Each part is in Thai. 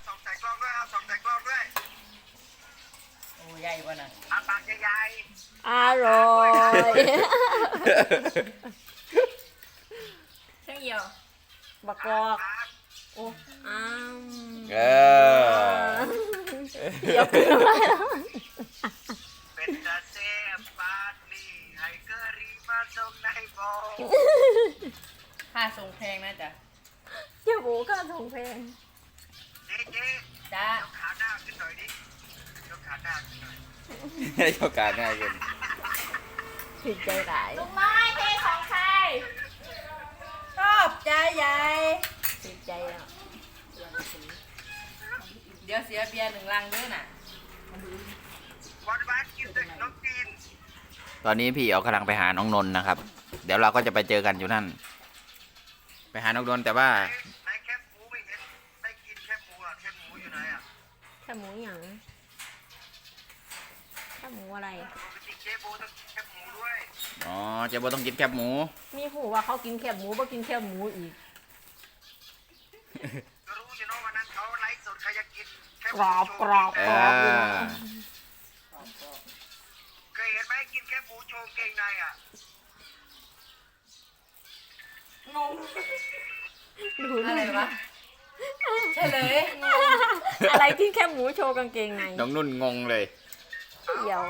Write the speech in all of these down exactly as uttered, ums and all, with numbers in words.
สองใส่กล้องด้วยเอาสองใส่กล้องด้วยโอ้ใหญ่กว่าน่ะอาปากใหญ่อร่อยเช่างเหี่ยวบักกอกโอ้อ้าวเออเดี๋ยวกินอะไรแล้วเป็นตาเซฟปาร์ตี้ไฮเกอรีมาส่งในโบค่าส่งแพงนะจ๊ะเจ้าหมูก็ส่งเพลงเจ๊เจ๊จ้ายกขาหน้าขึ้นหน่อยดิยกขาหน้าขึ้นหน่อยให้โอกาสง่ายขึ้นผิดใจหลายลุงน้อยเพลงของใครชอบใจใหญ่ผิดใจอ่ะเดี๋ยวเสียเบียร์หนึ่งลังด้วยน่ะวันบ้านกินแต่น้องจีนตอนนี้พี่เอากำลังไปหาน้องนนท์นะครับ เดี๋ยวเราก็จะไปเจอกันอยู่นั่น ไปหาน้องนนท์แต่ว่าในแคบหมูไม่เห็นได้กินแคบหมูอ่ะแคบหมูอยู่ไหนอ่ะแค่หมูหยังแค่หมูอะไรปกติเจ๊โบต้องกินแคบหมูด้วยอ๋อเจ๊โบต้องกินแคบหมูมีหูว่าเขากินแค่หมูบ่กินแค่หมูอีกก็รู้อยู่เนาะวันนั้นเขาไลฟ์สดใครจะกินแคบหกรมูอบโชกว์รอบเอกรอบเลยอนะเคยเห็นไหมกินแคบหมูโชว์เก่งในอ่ะงงดูอะไรวะเฉลยอะไรกินแค่หมูโชว์กางเกงในน้องนุ่นงงเลยเดี๋ยว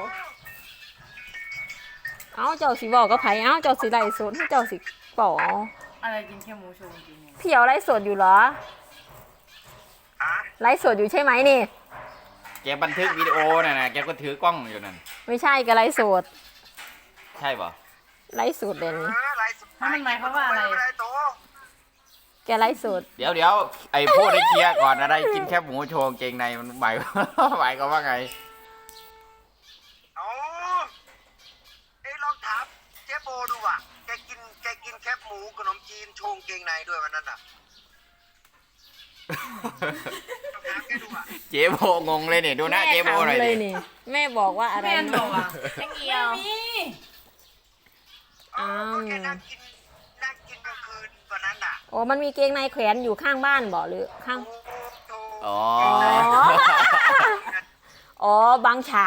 เอ้าเจ้าสิบอกก็ไผเอ้าเจ้าสิไล่สดเจ้าสิป๋ออะไรกินแค่หมูโชว์จริงๆพี่เอาไล่สดอยู่เหรอฮะไล่สดอยู่ใช่ไหมนี่แกบันทึกวิดีโอน่ะนะแกก็ถือกล้องอยู่นั่นไม่ใช่ก็ไล่สดใช่ป่ะไล่สดเลยเอนี่อไลฟ์สดถ้ามันหมายความว่าอะไรม่ด้โตแกไล่สดเดี๋ยวเดี๋ยวไอ้พูดให้เคลียร์ก่อนอะไรกินแคบหมูโชว์กางเกงในมันหมาย หมายก็ว่าไงเอาเอ้ยลองถามเจ๊โบดูอ่ะแกกินแกกินแคบหมูขนมจีนโชว์เก่งในด้วยวันนั้นอ่ะลองถามแกดูอ่ะเจ๊โบงงเลยเนี่ยดูหน้าแม่เจ๊โบหน่อยถามเลดิยนี่ แม่บอกว่าอะไรแม่นบอกอ่ะช่างเอียวไม่มีอ๋อก็แกนั่งกินนั่งกินกลางคืนวันนั้นอ่ะโอ้มันมีเกงในแขวนอยู่ข้างบ้านบ่หรือข้างโอ้โหอ๋ออ๋อ อ๋อบางฉาก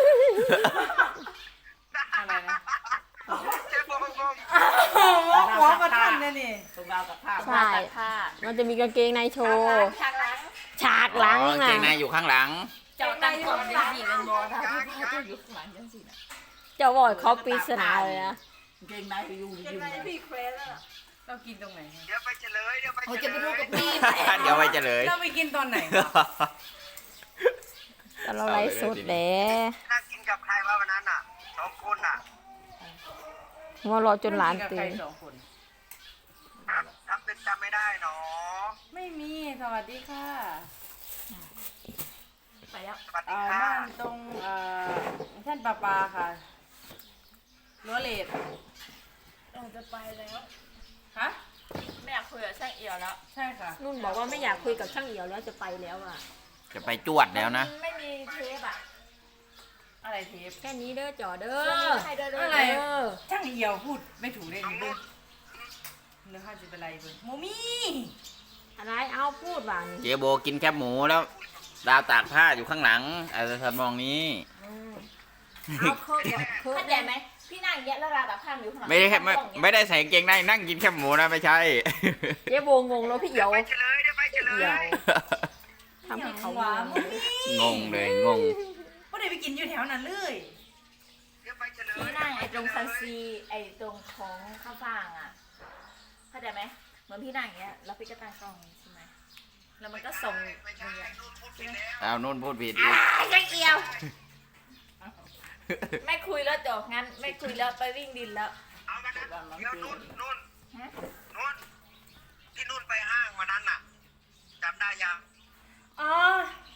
อะไรนะเจ๊โบงงหัวมาทันเลยนี่ตรงราวกับผ้าใช่ มันจะมีกางเกงในโชว์ฉากหลังฉากหลังอ๋อกางเกอ่ะงในอยู่ข้างหลังเจ้าตั้งกล่องยังสี่เป็นบอถ้าพี่พ่อจะอยู่ข้างหลังยังสี่นะเจ้าบอกเขาปริศนาเลยนะเกงในไปอยู่เกงในพี่เควสแล้วเรากินตรงไหนเดี๋ยวไปเฉลยเดี๋ยวไปโอ้เฉจะไปลดูยกับพี่เดี๋ยวไปเฉลยเราไปกินตอนไหนแต่เราไลฟ์สดแหละนั่งกินกับใครวะวันนั้นอ่ะสองคนอ่ะว่ารอจนหลานตื่นสองคนทำเป็นจำไม่ได้เนาะไม่มีสวัสดีค่ะไปแล้วสวัสดีเอ่อค่ะบ้านตรงเอ่อท่านปลาปลาค่ะรั้วเลดเราจะไปแล้วฮะไม่อยากคุยกับช่างเอี่ยวแล้วใช่ค่ะนุ่นบอกว่าไม่อยากคุยกับช่างเอี่ยวแล้วจะไปแล้วอ่ะจะไปจวดแล้วนะไม่มีเทปอ่ะอะไรเทปแค่นี้เด้อจ่อเด้อใครเดินอะอะไร ไรเออช่างเหี่ยวพูดไม่ถูกเลยนี่เบิ้งเนื้อข้าวจะเป็นไรเบิ้งโมมี่อะไรเอาพูดว่านี่เจ๊โบกินแคบหมูแล้ว ดาวตากผ้าอยู่ข้างหลังอะไรทำนองนี้เอาเคิร์ฟบอกเคิร์ฟเข้าใจไหมพี่นั่งอย่างเงี้ยแล้วราดับข้ามอยู่ข้างหลังไม่ได้ไม่กล้องอย่างไม่เงี้ยได้ใส่กางเกงในนั่งกินแคบหมูนะไม่ใช่เจ๊โบงงแล้วพี่เอี่ยวไปเฉลยเดี๋ยวไปเฉลเอี่ยวย ทำให้เขาหวานงงงงเลยงงไม่ได้ไปกินอยู่แถวนั้นเลยเดี๋ยวไปเฉลยพี่นั่งไอ้ตรงซันซีไอ้ตรงของข้าวฟ่างอ่ะเข้าใจไหมเหมือนพี่นั่งอย่างเงี้ยแล้วพี่ก็ตั้งกล้องใช่ไหมแล้วมันก็ส่งไม่ใช่นู่นพูดผิดแล้วเอานุ่นพูดผิดอีกช่างเอี่ยว ไม่คุยแล้วจบงั้นไม่คุยแล้วไปวิ่งดินแล้วเอามานะเดี๋ยวนู่นนู่นฮะนู่นที่นู่นไปห้างวันนั้นน่ะจำได้ยังอ๋อ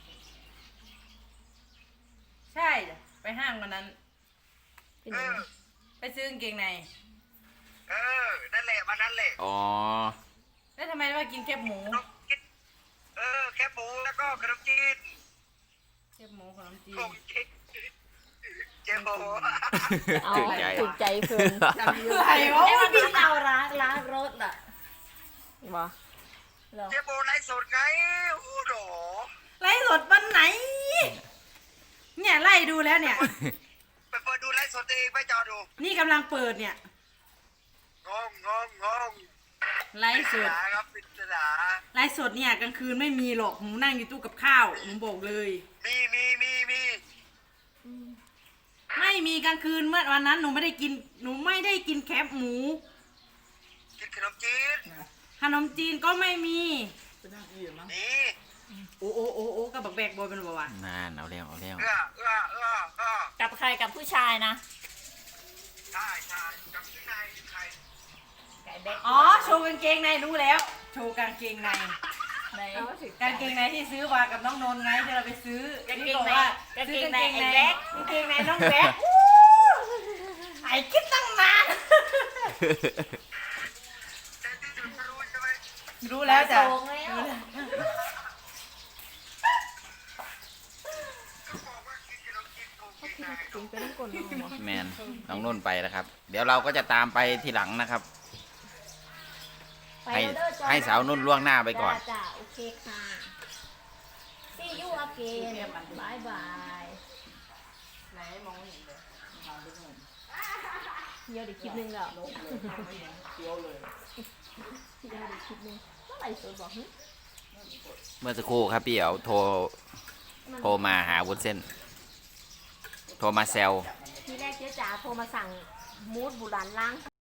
ใช่ไปห้างวันนั้นเป็นเอยังอไงไปซื้อกางเกงในเออนั่นแหละวันนั้นแหละอ๋อแล้วทำไมว่ากินแคบหมูขนมจีนเออแคบหมูแล้วก็ขนมจีนแคบหมูขนมจีนผมคิดเจ๊โบเอาถูกใจถูกใจเพื่อนอะไรวะไอ้วันที่เราล้างล้างรถอ่ะบ่เหรอเจ๊โบไลฟ์สดไงโอ้โหแล้วเนี่ยไปเปิดดูไลฟ์สดเองไปจอดูนี่กำลังเปิดเนี่ยงงงงงงไลฟ์สดปริศนาครับปริศนาไลฟ์สดเนี่ยกลางคืนไม่มีหรอกหนูนั่งอยู่ตู้กับข้าวหนูบอกเลยมีมีมีมีไม่มีกลางคืนเมื่อวันนั้นหนูไม่ได้กินหนูไม่ได้กินแคบหมูกินขนมจีนขนมจีนก็ไม่มีนี่โอ้โอ้โอ้โอ้กับบักแบกบอยเป็นบ่าวะนานเอาเร็วเอาเร็วเอื้อเอื้อเอื้อเอื้อกับใครกับผู้ชายนะใช่ใช่กับที่นายใครไก่แบ็คอ๋อโชว์กางเกงในรู้แล้ว โชว์กางเกงในในกางเกงในที่ซื้อมากับน้องนนท์ไงที่เราไปซื้อกางเกงในที่บอกว่ากางเกงซื้อกในไอ้แบ็คกางเกงในน้องแบ็คไอ้คิดตั้งนานแต่ที่สุดรู้ใช่ไหมรู้แล้วจ้ะโงแล้วเขาบอกว่ากินขนมจีนโชว์เกงในกินไปน้ำกลนน้องแมนน้องนุ่นไปแล้วครับ เดี๋ยวเราก็จะตามไปทีหลังนะครับ ให้ให้สาวนุ่นล่วงหน้าไปก่อนจ้าจ้าโอเคค่ะ see you again บายบายไหนมองไม่เห็นเลยเดี๋ยวเดี๋ยวคลิปหนึงแล้วเดี๋ยวเดี๋ยวคลิปหนึงเมื่อไหร่สวยบอกหึเมื่อสักครู่ครับพี่เอ๋วโทรโทรมาหาวุ้นเส้น โทรมาแซวทีแรกเจ๊จ๋าโทรมาสั่งมูดบุหรันล้าง